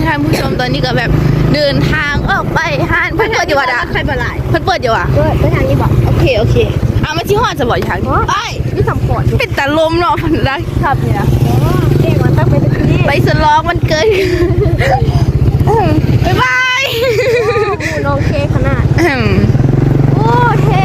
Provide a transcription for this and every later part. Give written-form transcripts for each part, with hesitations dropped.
ท่านผู้ชมตอนนี้ก็แบบเดินทางออกไปห้านเพิ่นเปิดอยู่วะดะใครเปิดหลายเพิ่นเปิดอยู่วะไปทางนี้บอกโอเคเอามาที่ห้องจะบอกอยู่ทางนี้ไปนี่สำคัญเป็นตาลมเนาะพันรักครับนี่นะเก่งมันต้องไปตะกี้ไปสลองมันเกินบ๊ายบายน้องเคขนาดโอ้เท่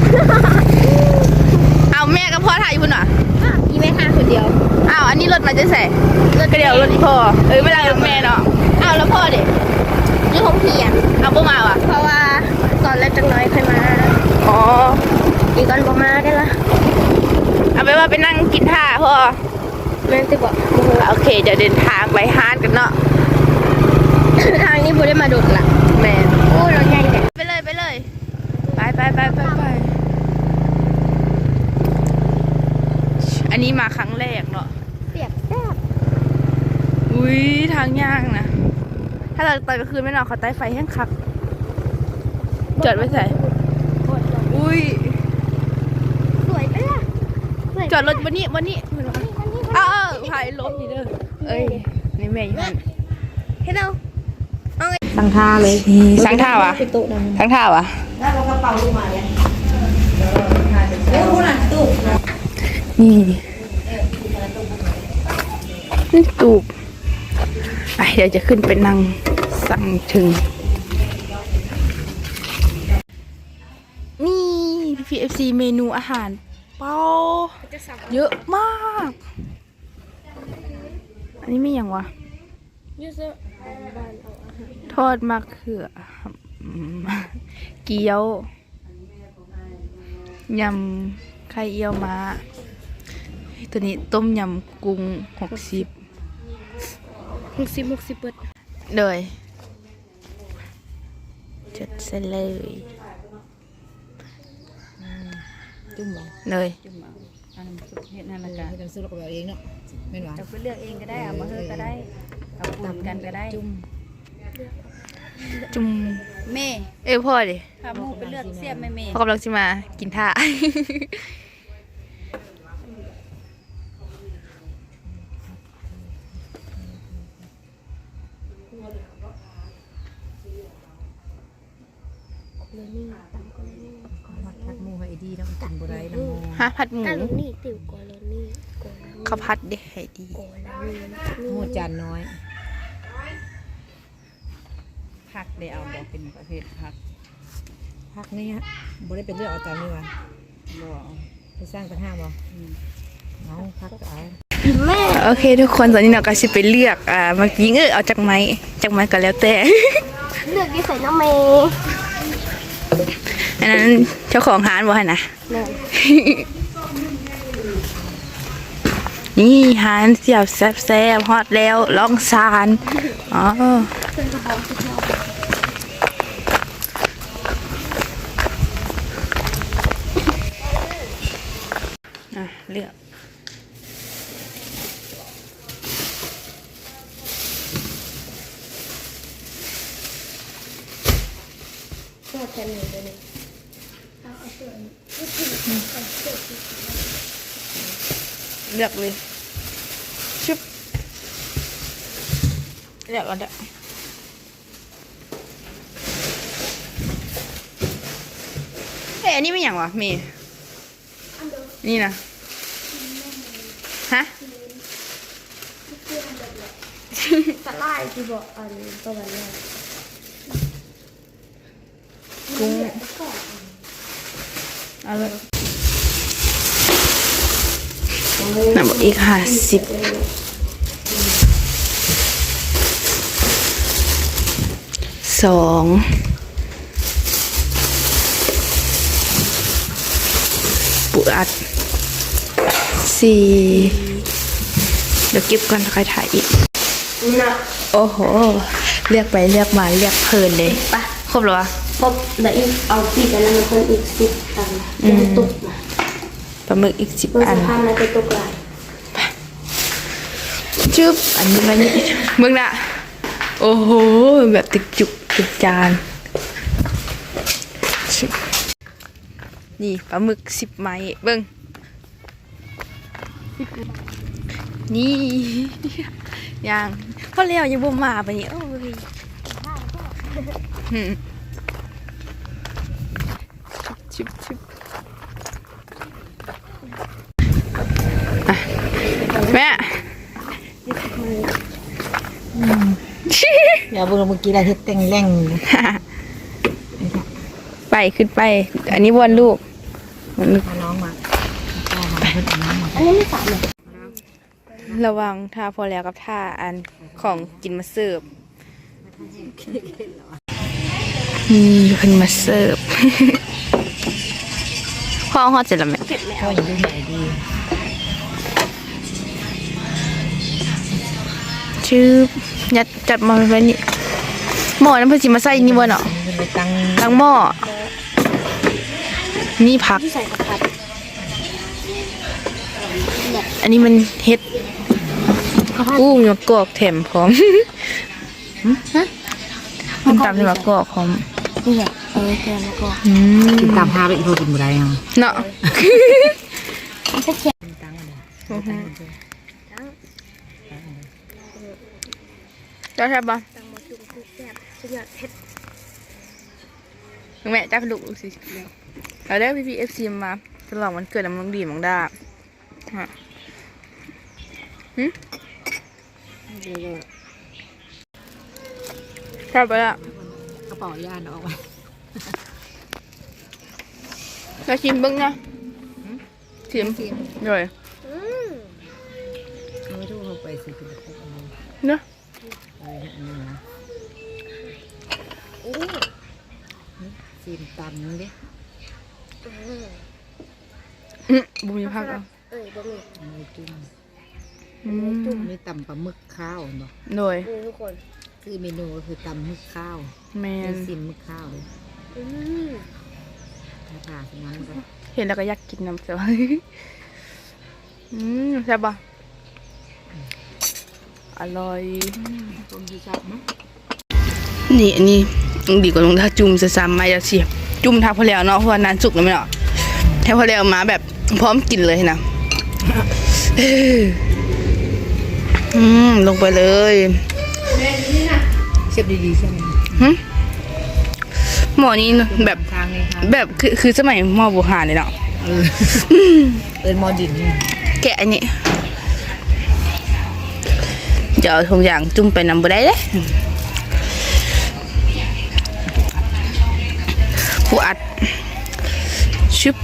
เอาแม่กับพ่อถ่ายอยู่พุ่นหรออีแม่ข้าคนเดียวอ้าวอันนี้รถมาจะใส่รถกระเดียวรถอีพ่อไม่ได้รถแม่เนาะอ้าวแล้วพ่อเด็กนี่ผมเพียนเอาพ่อมาว่ะเพราะว่าตอนแรกจังน้อยใครมาอ๋ออีกก่อนบ่มาได้ละเอาไปว่าไปนั่งกินท่าพ่อแม่ติบอกโอเคเดี๋ยวเดินทางไปฮาร์ดกันเนาะทางนี้บุได้มาดุดละแม่โอ้รถใหญ่เนี่ยไปเลยไปอันนี้มาครั้งแรกเนาะเปียกแซ่บอุ้ยทางย่างนะถ้าเราตอนกลางคืนไม่นอนเขาใต้ไฟแห้งคักจอดไว้ใส่อุ้ยสวยไปล่ะจอดรถวันนี้ถ่ายรถนี่เด้อเอ้ยนี่แม่อยู่นั่นเฮ้ยเราตั้งท่าเลยสั่งท่าวะสั่งท่าวะแล้วเรากระเป๋าลงมาเลยเร็วนะตู้นี่ตูบไปเดี๋ยวจะขึ้นไปนั่งสั่งถึงนี่ PFC เมนูอาหารเป้าเยอะมากอันนี้ไม่อย่างวะทอดมะเขือเกี๊ยวยำไข่เยี่ยวม้าตัวนี้ต้มยำกุ้ง60เปิดเลยจัดเสร็จเลยจุ่มบ่เลยจุ่มอันนั้นเฮ็ดนั่นละกันเราซื้อเราเองเนาะแม่นว่าจะไปเลือกเองก็ได้เอามาเฮือก็ได้เอาตามกันก็ได้จุ่มแม่พ่อดิพาหมูไปเลือกเสียบแม่พ่อกำลังจะมากินท่าผัดหมูให้ดีแล้วกันบ่ได้นะผัดหมูนี่ติ๋วกอลนี่ข้าวผัดเด็กให้ดีหมูจานน้อยผักได้เอาบอกเป็นประเภทผักนี่ฮะบ่ได้เป็นเรื่องเอาจานนี่วะบ่ไปสร้างปัญหาบ่เอาผักเอาโอเคทุกคนตอนนี้เราก็จะไปเลือกเมื่อกี้เอาจากไม้ก็แล้วแต่เลือกที่ใส่น้ำเมอันนั้นเจ้าของร้านบอกให้นะนี่ร้านเสียบแซ่บฮอตแล้วล่องซานอ๋อเลือกเลือกเลยชุบเลือกก่อนเด้ออันนี้ไม่อย่างวะเมย์นี่นะฮะสลายที่บอกอันตัววันแรกกุ้งเอาเลยน่าบอกอีก502ปูอัด4เดี๋ยวเก็บก่อนใครถ่ายอีกโอ้โหเรียกไปเรียกมาเรียกเพลินเลยปะครบหรอวะครบเดี๋ยวอีกเอาปีกันแล้วมันเพิ่มอีก10 อันจะตุกนะปลาหมึกอีก10 อันพันแล้วจะตุกหลายจุ๊บอันนี้มาเนี่ยมึงน่ะโอ้โหแบบติดจุกติดจานนี่ปลาหมึก10 ไม้เบิ้งนี่ยังพอเลี้ยวยังบ่มาไปนี่โอ้ยชิบอ่ะแม่อย่าบ่เมื่อกี้ได้เฮ็ดแต่งแรงไปขึ้นไป อันนี้วนลูกน้องมาเพิ่นเอาน้ำมาอันนี้ไม่สามเลยระวังท่าพอแล้วกับท่าอันของกินมาเสิร์ฟขึ้นมาเสิร์ฟ พ่อฮอดเสร็จแล้วไหมพ่ออยู่ดูไหนดีชื่อยัดจัดมาไว้นี่หม้อน้ำเพื่อจิมาใส่นี่บ่เนาะมันไปตั้งตั้งหม้อนี่ผักที่ใส่ผัดอันนี้มันเฮ็ดกุ้งมะกอกแถมพร้อมมันตำให้มะกอกพร้อมนี่แหละแกงแล้วก็กินตามพาไปอีกโทกินบ่ได้ยังเนาะจะแข็งตั้งอะไรเจ้าใช่ปะตังมาจุ่มคือแซ่บสุดยอดเผ็ดแม่จ้าลูกสิเราได้พี่เอฟซีมาฉลองวันเกิดน้ำน้องดีมังดาฮะชอบไปละกระเป๋าย่านออกมาเราชิมเบิ้งนะชิมเลยเอาไม่ถูกเขาไปสิคุณพกเอาเนาะอันนี้นะซีมตำดิบุญพักเอาบะหมี่อันนี้จุ่มจุ่มอันนี้ตำปลาหมึกข้าวเนาะโดยทุกคนคือเมนูก็คือตำหมึกข้าวแมเป็นนซีมหมึกข้าวเลยอืมถ้าผ่าสนั้นก็เห็นแล้วก็อยากกินน้ำเสียวใช่บปะอร่อยต้มที่ชอบมั้ยนี่อันนี้ดีกว่าลงท่าจุ่มจะซ้ำมาจะเสียบจุ่มทับพอแล้วเนาะเพราะว่านานสุกแล้วไม่เนาะแค่พอแล้วมาแบบพร้อมกินเลยนะ ลงไปเลยเชฟดีๆใช่ไหมหม้อนี้แบบทางนี้ค่ะแบบคือสมัยหม้อโบราณเลยเนาะเอินมอดินแกะอันนี้เดี๋ยวทุกอย่างจุ่มไปนำไปได้เลยผู้อัดชึบ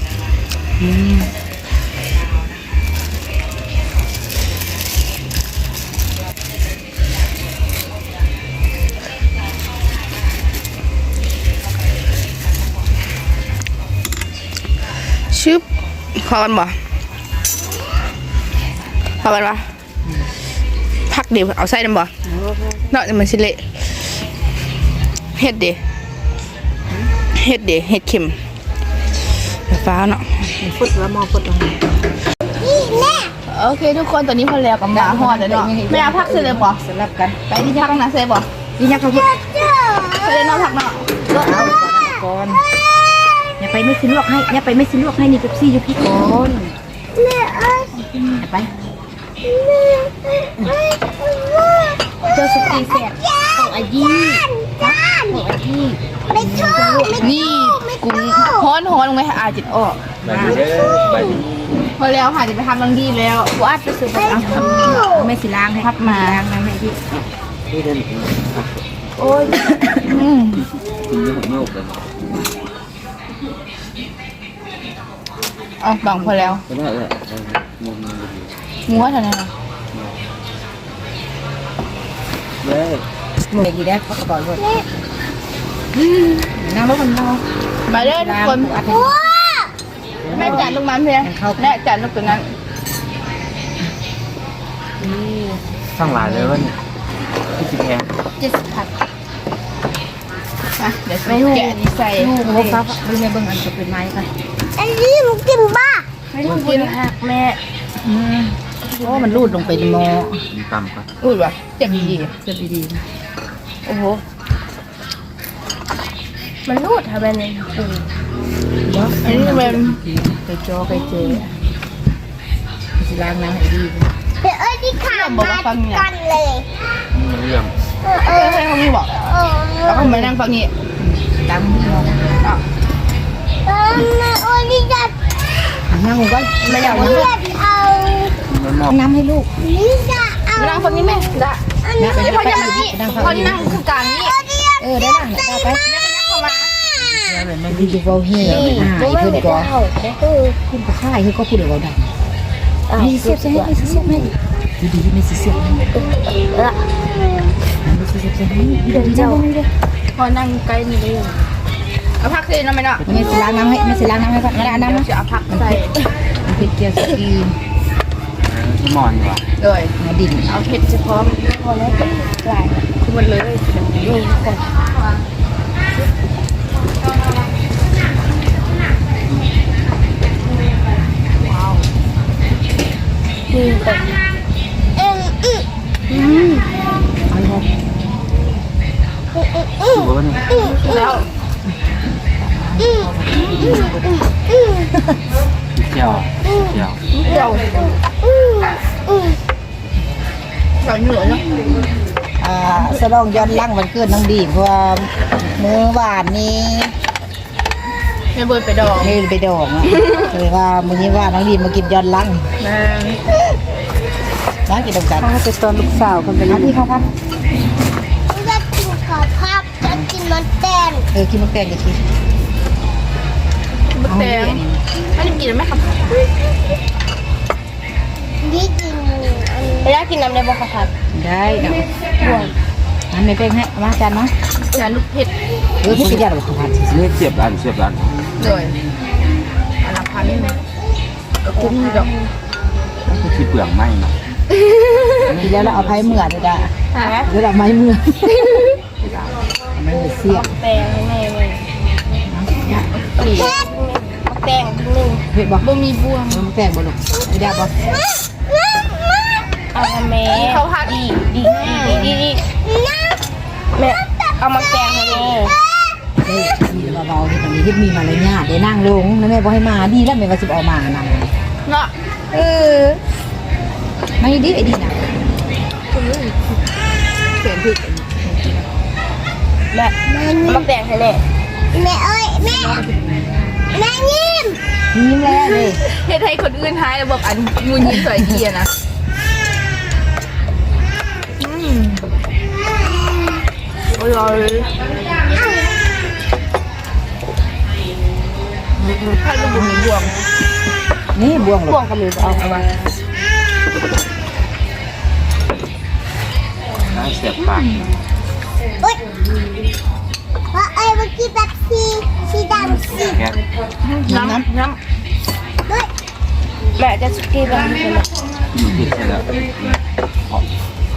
ชึบพอกันบ่พอกันปะพักเดี๋ยวเอาไส้น้ำบ่เนาะมันสิเละเฮ็ดเดี๋ยวเฮ็ดเข็มฟ้าเนาะฟุดแล้วมอฟุดตรงนี้โอเคทุกคนตอนนี้พอแล้วกับหมาหอดแล้วเนาะแม่เอาพักเสร็จเลยบ่สลับกันไปที่พักนะเสร็จบ่นี่ยักษ์เขาพูดเสร็จเนาะพักเนาะเอาก่อนอย่าไปไม่ซื้อลวกให้อย่าไปไม่ซื้อลวกให้นี่เป๊ปซี่อยู่พี่ก่อนอย่าไปเจอสุกี้แซ่บของอายีของอายีไม่ชอบนี่กุ้งฮ้อนลงไหมอาจิตออกไปดูเด้อไปดูพอแล้วค่ะจะไปทำรังดีแล้วกูอัดไปซื้อไปเอาไม่สิล้างให้พับมาล้างน้ำให้พี่นี่เดินโอ้ยกินเยอะผมไม่ออกเลยเอาบังพอแล้วก็ได้เลยมุมมันดีงัวเท่านั้นเหรอเย้มือกี่แดกเขากระเป๋าด้วยนั่งรถมันเรามาเด้อทุกคนอัดให้แม่จัดลูกมันเพียแม่จัดลูกตัวนั้นสร้างหลายเลยว่านี่ที่สิแพง 70 ผัดเดี๋ยวแกะนี่ใส่โอ้ครับดูในเบื้องอันจะเป็นไม้กันอันนี้มึงกินบ้าไม่ต้องกินหักแม่โอ้มันรูดลงไปในหม้อมีต่ำก็อุ้ยวะเจ็บดีเสียบดีโอ้โหมันรูดทำไมเนี่ยอันนี้เป็นๆไปจอไปเจอสิล้างน้ำให้ดีเดี๋ยวอันนี้ที่ขาดกันเลยเรื่องให้เขาไม่บอกแล้วก็มานั่งฟังนี้ตามที่เราโอ้ยนี่จะนั่งก็ไม่อยากเลือดเอามันมอบน้ำให้ลูกนี่จะเอามานั่งฟังนี้แม่ได้นะไปพอจะมานี่พอจะนั่งคือกลางนี่ได้ละต่อไปเข้ามาแล้วเลยไม่ดีดูเบาเฮียอีกขึ้นก่อนขึ้นก็ค่ายคือก็พูดเดี๋ยวเราดังมีเสียบใช่ไหมมีเสียบไหมดีๆไม่เสียบไม่เสียบใช่ไหมเดี๋ยวเจ้าพอนั่งใกล้นี่เลยเอาพักเลยนะไม่เนาะไม่สิล้างน้ำให้ไม่สิล้างน้ำให้ก่อนล้างน้ำนะจะเอาพักใส่มันเป็นเกี๊ยวสกีที่มอนดีกว่าเลยมาดินเอาเผ็ดเฉพาะพอแล้วกลายคือมันเลยดูก่อนว้าวนี่เป็นเอาครับถูกป่ะเนี่ยแล้วเจียวเจียวเดี๋ยวใส่เหนือเนาะสลองย้อนล่างวันเกิดน้องดีเพราะว่ามื้อวานนี้ไม่เบิร์ไปดองนี่ไปดองอ่ะเลยว่ามื้อนี้ว่าน้องดีมากินย้อนล่างนะน้องกินดอกกันเขาเป็นตอนลูกสาวกันเป็นที่เขาพักจะกินข้าวผัดจะกินมันแตนกินมะแตงกันทีมะแตงอันนี้กินไหมครับนี่กินไม่ได้กินน้ำในบ่อข้าวผัดได้เอาน้ำไม่แป้งให้มาจานมาอย่าลูกเผ็ดพี่กินยาหรือข้าวผัดนี่เสียบร้านเสียบร้านเลยอันละพันก็คุ้มอยู่ดอกคือที่เปลืองไหมนะกินแล้วเราเอาไผ่เมื่อเด้อจ้ะฮะแล้วเราไม้เมื่อไม่เสียบแตงแม่เลยแตงหนึ่งเผ็ดบ่บ่มีบวงมะแตงบ่ลูกไม่ได้บ่เอาแม่เขาพัดดีแม่เอามาแกงให้แม่มีเบาๆที่ตรงนี้ที่มีมารยาทได้นั่งลงแล้วแม่บอกให้มาดีแล้วแม่ว่าสิออกมานั่งเนาะไม่ดีไอ้ดีนะเสียงผิดแม่เอามาแกงให้แม่แม่เอ้ยแม่ยิ้มยิ้มแล้วเลยเฮ็ดให้คนอื่นหายแล้วบอกอันยูนยิ้มสวยดีอะนะอร่อยถ้าลูกบุ๋มมีบวงนี่บวงหรบวองก็มีเอาเอามาน่าเสียบปากเอ้ยเพราะไอ้เมื่อกี้แบบสีดำสีแก๊สน้ำเฮ้ยแม่จะสกีแบบนี้เลยผิดใช่แล้วหอม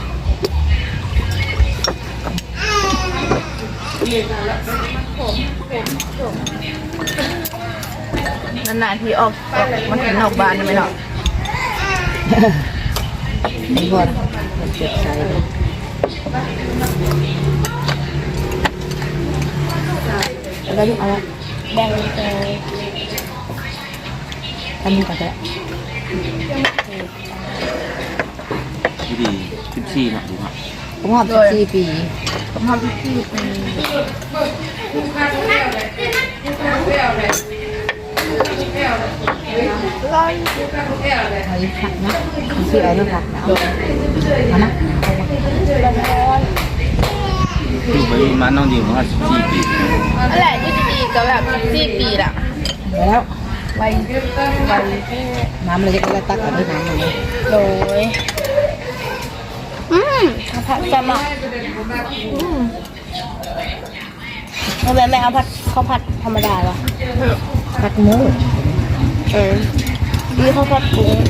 นานๆทีออกมันเห็นออกบานได้ไหมเนาะนี่บวงเจ็บใจแล้วลูกเอาแบ่งไปทำนี้ก่อนก็ได้ที่ดี14เนาะดูเนาะผมหอบ14 ปีผมทำพิธีเป็นเอาอีกผักนะที่เอาลูกผักนะเอานะอยู่ไปมาน้องดีมา14 ปีนั่นแหละที่ดีก็แบบ4 ปีละแล้วไวน้ำเลยก็ตักเอาด้วยน้ำเลยโดยข้าวผัดจะมาทำไมไม่เอาผัดข้าวผัดธรรมดาวะผัดหมูมีข้าวผัดกุ้ง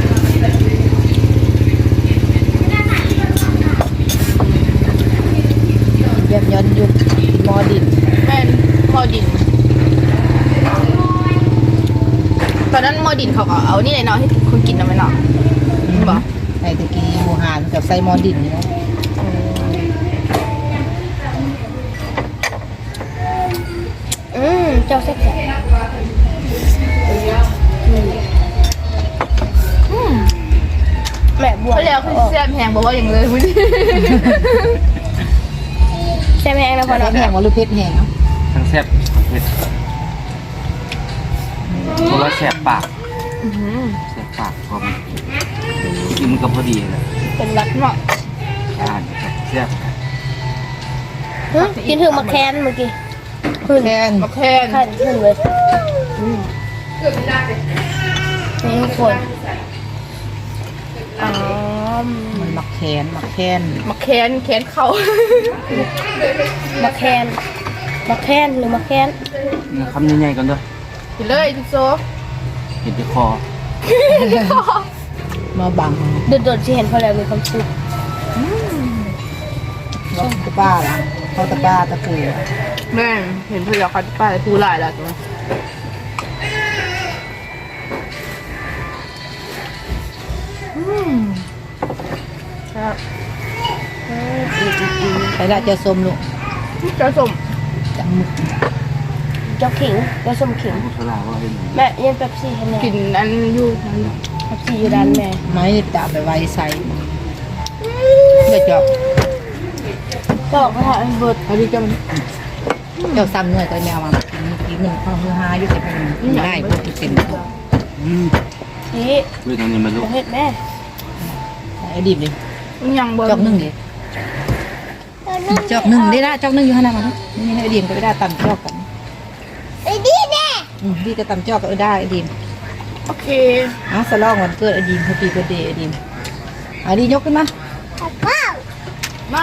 แบบย้อนยุคมอดินแม่นมอดิน ตอนนั้นมอดินเขาก็เอานี่เลยเนาะให้คนกินนะไหมเนาะบอกไอ้ตะกี้หมูหานกับไส้มอดินนี่เนาะเจ้าแซ่บแม่บวงเขาเรียกวคือแซ่บแหงบอกว่าอย่างเลยคุณแซ่บแห้งนะพ่อแซ่เนาะบแห้งว่าหรือเผ็ดแห้งเนาะทั้งแซ่บทั้งเผ็ดเพราะว่าแซ่บปากแซ่บปากพอมันกินมันก็พอดีเลยเป็นรักเนาะอ่านแซ่บกินถึงมาแคนเมื่อกี้ขึ้นแห้งมาแคนขั้นขึ้นเลยนี่ทุกคนอ๋อมันมักแขนมาแคนเขามาแคนมาแคนหรือมาแคนเนี่ยคำใหญ่ๆกันด้วยกินเลยทุกโซเห็นที่คอมาบังโดดๆที่เห็นพอแล้วมีความสุขว่าตะป้าล่ะเขาตะป้าตะปูแม่เห็นเพื่อนเขาป้าพูดหลายแล้วตัวครับใส่ละเจะส้มลูกเจ้าสมจังมึกเจ้าขิงเจ้าสมขิงผู้ชราว่าเห็นไหมแม่เย็นเป๊ปซี่ให้แม่กินอันอยู่นั่นเป๊ปซี่อยู่ด้านแม่ไม้ดาบไปไว้ใส่เพื่อเจาะบอกเขาถ่ายเบิร์ดอันนี้จะมันเจ้าซ้ำเนื้อก็แมวมากินมันข้าวฮือฮาอยู่แต่มันได้พวกที่เป็นนี่ด้วยตรงนี้มันลูกเฮ็ดแม่ไอ้ดิบดิยังเบิร์จอกนึ่งดิจอกนึ่งได้ละจอกนึ่งอยู่ขนาดนั้นนี่ไอ้ดิมก็ไม่ได้ตำจอกกันไอ้ดีแน่ดีจะตำจอกก็ได้ไอ้ดิมโอเคอ่ะสลองวันเกิดไอ้ดิมแฮปปี้เบิร์ดเดย์ไอ้ดิมไอ้ดิยกขึ้นมามา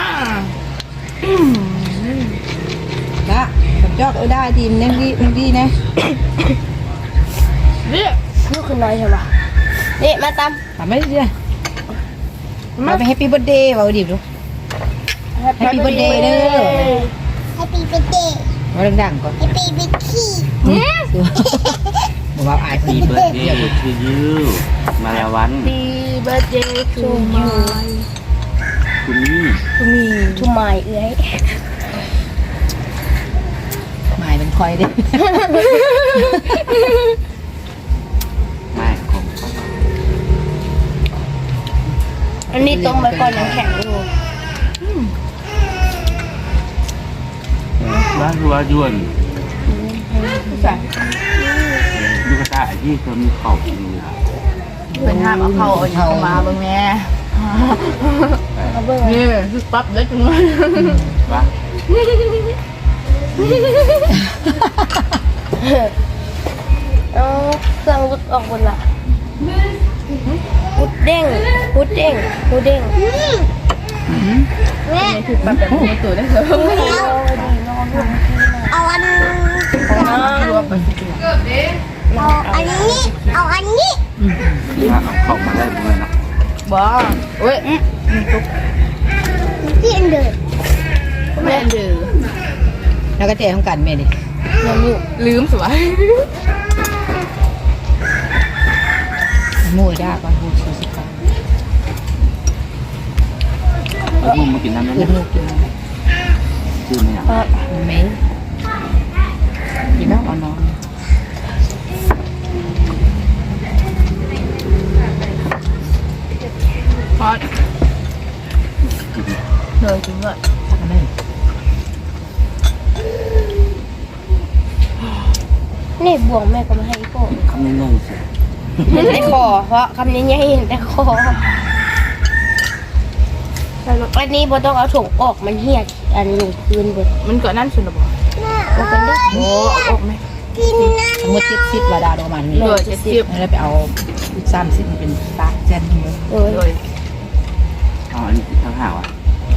ละตำจอกได้ไอ้ดิมนั่งดีนะเรียกลูกคือน้อยใช่ปะนี่มาตามทำไม่ได้ดิมาไปแฮปปี้เบิร์ดเดย์ว่าไอ้ดิมดู Happy birthday เด้อ Happy birthday มาดังๆก่อน Happy birthday บอกว่าอายปีเบิร์ดเดย์ชื่อยูมาแล้ววัน Happy birthday to you คุณนี่ to me to my เอ้ยหมายเป็นคอยดิไม่ของอันนี้ต้มไว้ก่อนยังแข็งอยู่บ้านรัวยวนใส่ลูกตาที่เคยมีเข่าอยู่เป็นห้ามเอาเข้าเอาเข้ามาเบิ่งแม่เอาเบิ่งนี่คือปั๊บแล้วจังเลยวะเอาเครื่องรุดออกหมดละพุดเด้งพุดเด้งพุดเด้งนี่คือปั๊บแบบในตัวได้เลยเอาอันรวมเป็นตัวเอาอันนี้เอาอันนี้ถ้าเอาเข่ามาได้บ่เลยนะบ้าเว้ยที่อันเดิมแม่ดื้อแล้วก็เจ๊ของกันเมดิยังอยู่ลืมสวยมูด้าก่อนมูชูสิก่อนแล้วมึงมากินน้ำได้คืไหอมมูกินชื่อไม่อยากมันไม่กินแล้วเอานอนพอดเลยจริงเลยสักหนึ่งนี่บ่วงแม่ก็มาให้อีโก้คำนี้งงสิเห็นแต่คอเพราะคำนี้ยังเห็นแต่คออันนี้บ่ต้องเอาถุงออกมันเหี่ยอันลงพื้นเบิดมันเกิดนั่นสุดหรอบอกโอ้เป็นเด้อโอ้เอาออกไหมทั้งหมด70วาดาประมาณนี้เหลือ70 แล้วไปเอา30มันเป็นปากแจนเลยเออเลยเอาอันนี้ทั้งห่าวอ่ะ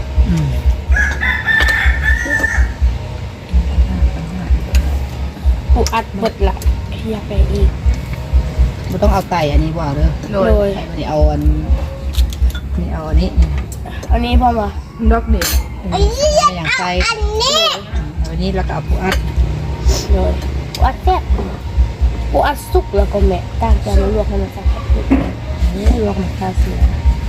ปูอัดเบิดละเฮียไปอีกมันต้องเอาไตอันนี้ว่าเด้อเลโดยยนี่เอาอันนี่เอาอันนี้อันนี้พ่อมาดอกเด็กไม่อย่างไตอันนี้แล้วก็เอาผู้อัดเลยปูอัดแซ่บปูอัดสุกแล้วก็แม่ตั้งใจมาลวกให้มันสักนี่ลวกมันคาเสีย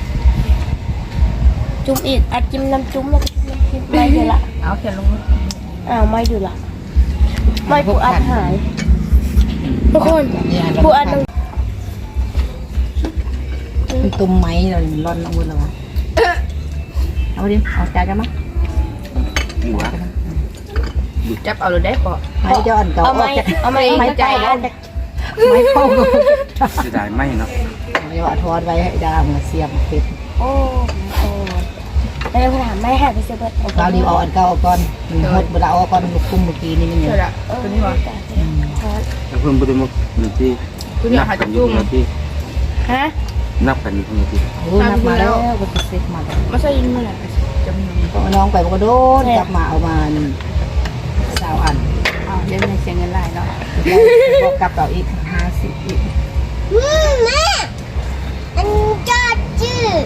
จุ่มอีกอัดจิ้มน้ำจุ่มแล้วก็จิ้มน้ำจิ้มไม่เดี๋ยวละเอาเขียนลงอ้าวไม่ดูละไม่ปูอัดหายทุกคนนี่อันปูอัดตรงเป็นตุ่มไหมเรามันร้อนน้ำมันแล้ววะเอาดิเอาจานกันมั้ยหัวจับเอาเลยได้ปะไม่จะอ่อนเก่าเอาไม้ไม่ใจแล้วไม่เข้าจะได้ไหมเนาะไม่ว่าทอดไว้ให้ดามมาเสียบเป็ดโอ้โหแล้วถามไม่หาไปเสียบเราดีเอาอันเก่าก่อนหดเวลาเอาก่อนลูกกุ้งเมื่อกี้นี่มันอยู่เชื่อละตัวนี้วะแล้วเพิ่มไปด้วยมุกหนึ่งที่ตัวนี้หาจับยุ่งหนึ่งที่ฮะนับกันอยู่คนละที่โอ้นับมาแล้วก็ติดเซ็กมาแล้วไม่ใช่ยิงเมื่อไหร่จำยังก็น้องไปก็โดนกลับมาเอามา20 อันอ้าวเดี๋ยวมันเสียเงินหลายเนาะก็กลับต่ออีก50อีกแม่อันจอดจืด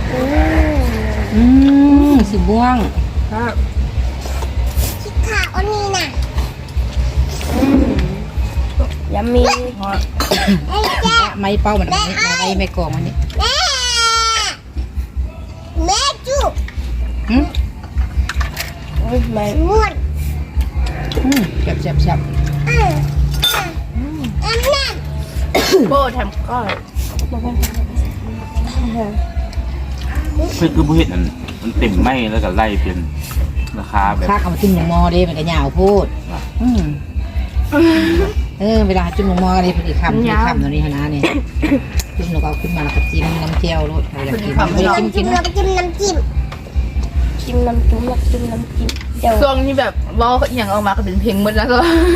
สีม่วงครับคิดขาอันนี้น่ะยำมีไม้เป้ามันไม่กองมันนี่แม่จุ๊บไม่ม้วนแซ่บโบทำก้อยเพื่อคือผู้เห็นมันเต็มไหมแล้วก็ไล่เป็นราคาแบบข้าเอามาจิ้มหมูมอเด้มันก็ยาวพูดเวลาจิ้มหมูมอนี่พอดีคำตัวนี้นะนี่จิ้มแล้วก็เอาขึ้นมาแล้วก็จิ้มน้ำเจียวรสอยากกินจิ้มน้ำจิ้มน้ำจิ้มจิ้มน้ำจุ้มแล้วจิ้มน้ำจิ้มเดี๋ยวช่วงนี้แบบว่าอย่างออกมาก็เป็นเพลงหมดแล้วก็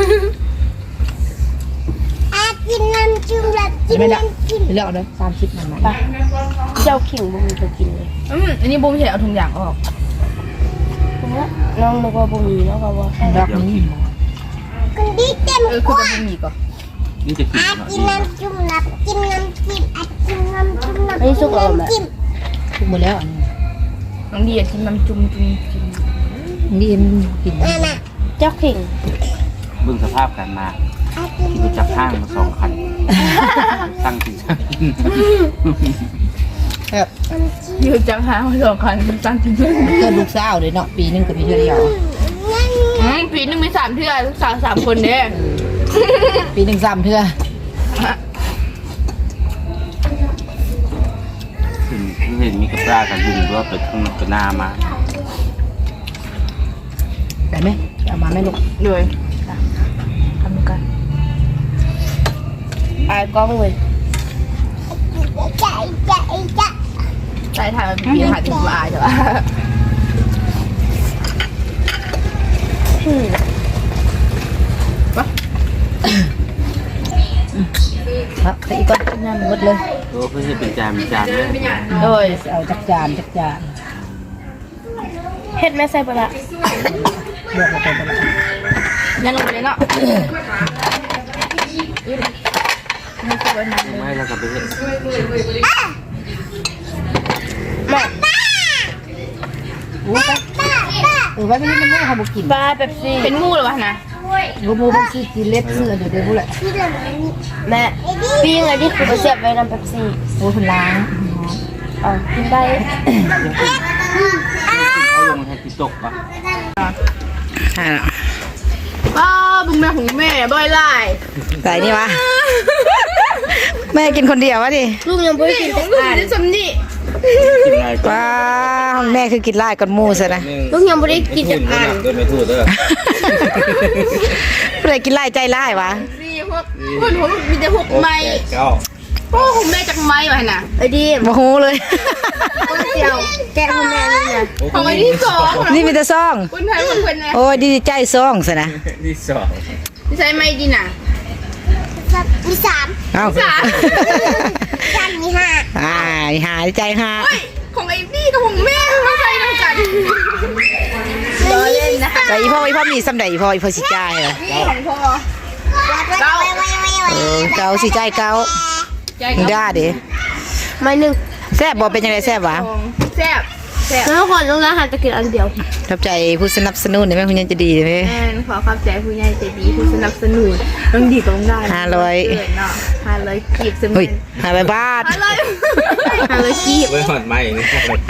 กินน้ำจิ้มแล้วจิ้มไม่ได้น้ำจิ้มเลือกเอาเลย30มันไหมเจ้าขิงบุ้มีตัวกินเลยอันนี้บูมเห็นเอาถุงยางออกน้องนึกว่าบุ้มีแล้วก็ว่าดอกนี้คุณดีเต็มคือจะไม่มีก่อนนี่จะกินเนาะกิดีนน้ำจิ้มน้ำจิ้มน้ำจิ้มกินน้ำจิ้มน้ำจิ้มทุกหมดแล้วน้องดีกินน้ำจุ่มจุ่มจุ่มนี่กินน่ะเจ้าขิงเบื้องสภาพการมาที่รู้จักห้างมา2 คันตั้งจริงจังแบบยืดจังหามา2 คันตั้งจริงเกิดลูกสาวเลยเนาะปีนึงก็มีเท่าเดียวปีนึงมี3 เทื่อลูกสาว3 คนเนี่ยปีนึง3 เทื่อเห็นมีกระปลากันยุงด้วยไปข้างนอกหน้ามาได้ไหมเอามาไม่ลูกเลยทำกันไอ้กล้องเลยใจใช่ถ่ายมันปีถ่ายถึงอายใช่ปะครับแต่อีกก้อนน้ำหมดเลยโอ้เพื่อให้เป็นจานเลยโดยเอาจักจานเฮ็ดแม่ใส่ปลาเลือกมาเป็นอะไรยันลงไปเลยเนาะนี่คือวันนั้นไม่แล้วก็ไปเห็นแม่ไว้ไม่ได้มันไม่ทำบุกินปลาแบบซี่เป็นงูหรอวะนะรูมูมันซื้อกินเล็บเสื้ออยู่เดี๋ยวพูดแหละแม่ปิ้งอะไรที่คือเสียบไว้น้ำแบบซี่โอ้คุณล้างอ๋อกินได้เขาลงให้ที่ตกปะป้าบุ้งแม่ของแม่บ่อยไล่ใส่นี่วะแม่กินคนเดียววะดิลูกยังไม่กินแต่ลูกอ่านจะสำนีกินอะไรก็ว้าห้องแม่คือกินไล่ก่อนมูซะนะลูกยังไม่ได้กินแต่อ่านก็ไม่ถูกเด้อเพื่อกินไล่ใจไล่วะนี่พวกผมมีแต่หุกไม้เก้าโอ้ผมแม่จากไม้วะนะไอ้ดีโมโหเลยคนเดียวแกะของแม่นี่นะของไอ้ที่2 นี่มีแต่ซองคนไทยคนคนนะโอ้ยดีใจซองซะนะที่สองที่ใช้ไม้ดีน่ะมี3 เอ้ามี5 หาใจหาเฮ้ยของไอ้นี่กับของแม่ไม่ใช่ด้วยกันล้อเล่นนะแต่อีพ่อมีสำใดอีพ่อสิจ่ายเหรอนี่ของพ่อเกาสิจ่ายเกาใจมึงกับได้ดิไม่หนึ่งแซ่บบ่เป็นยังไงแซ่บวะแซ่บแซ่บแล้วคนต้องร้านอาหารจะกินอันเดียวทับใจผู้สนับสนุนนี่แม่คุณยังจะดีเลยแม่ขอขอบใจผู้ใหญ่ใจดีผู้สนับสนุนต้องดีต้องได้เนาะ500กีบซึ่งเฮ้ย500 บาท 500กีบไว้หอดไม้นี่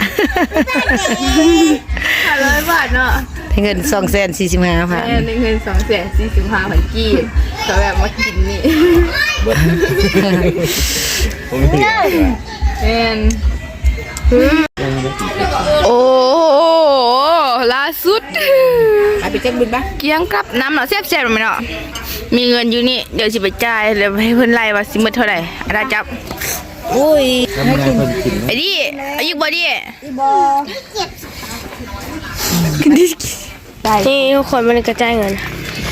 500 บาทเนาะเงิน245,000 แม่ในเงิน245,000กีบเขาแบบมากินนี่เบิดผมไม่เหลือแม่นโอ้ล่าสุดไปเจ็คบินปะเกียงกับน้ำเนาะแซ่บๆมั้ยเนาะมีเงินอยู่นี่เดี๋ยวสิไปจ่ายแล้วให้เพิ่นไล่ว่าสิหมดเท่าไหร่อาจับอุ้ยแล้วมันให้คนกินไอ้ดิอายุบ่ดิบอนี่ทุกคนมันกระจายเงิน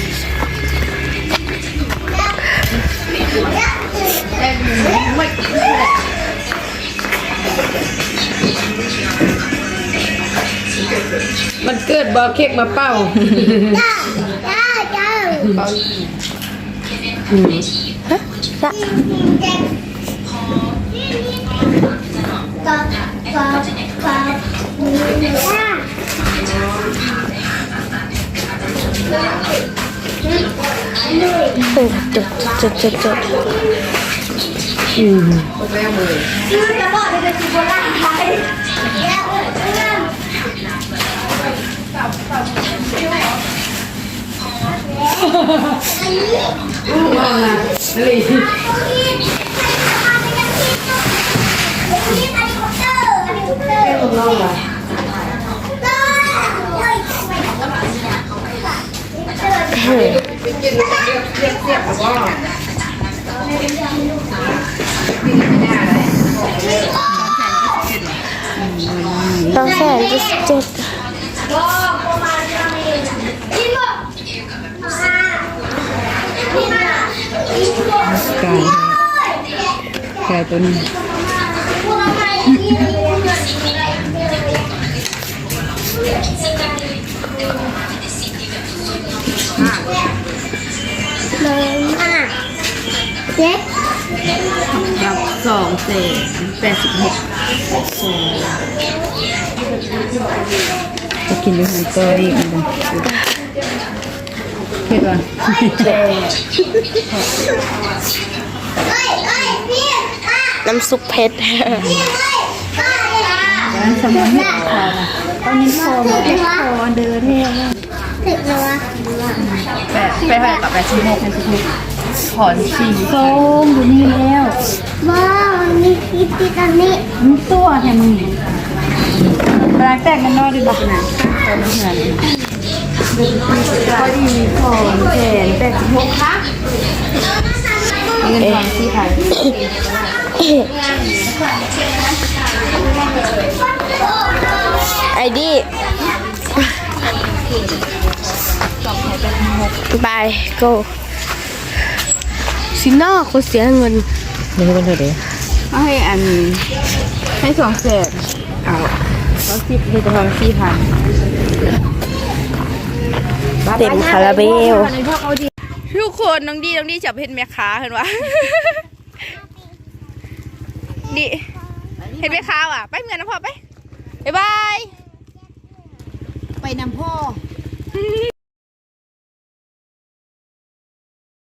มันเกิดบอเค้กมาเป้าจดต้องแสน27 ไก่ตัวนี้กับจะกินด้วยหันตัวอีกนะเผ็ดว่ะน้ำซุปเผ็ดสมุนตอนนี้พอเดินเที่ยวไปกับ86ถอนสีส้มอยู่นี่แล้วว้าวมีคลิปที่ตอนนี้มึงตัวแทนมึงปลาแตกกันนอกดีบอกนะตอนนี้เหมือนพอดีมีของแขน86ค่ะเงินทอนที่ไทยไอ้ดิไปโกสิน่าคนเสียเงินนี่เป็นเท่าไหร่ให้อันให้200,000เอาแล้ว10ให้ทอน4,000 เต็มคาราเบลทุกคนน้องดีจับเห็นแม่ค้าเห็นวะ ดิเห็นแม่ค้าว่ะไปเงินนะพ่อไปบ๊ายบายไปนำพ่อ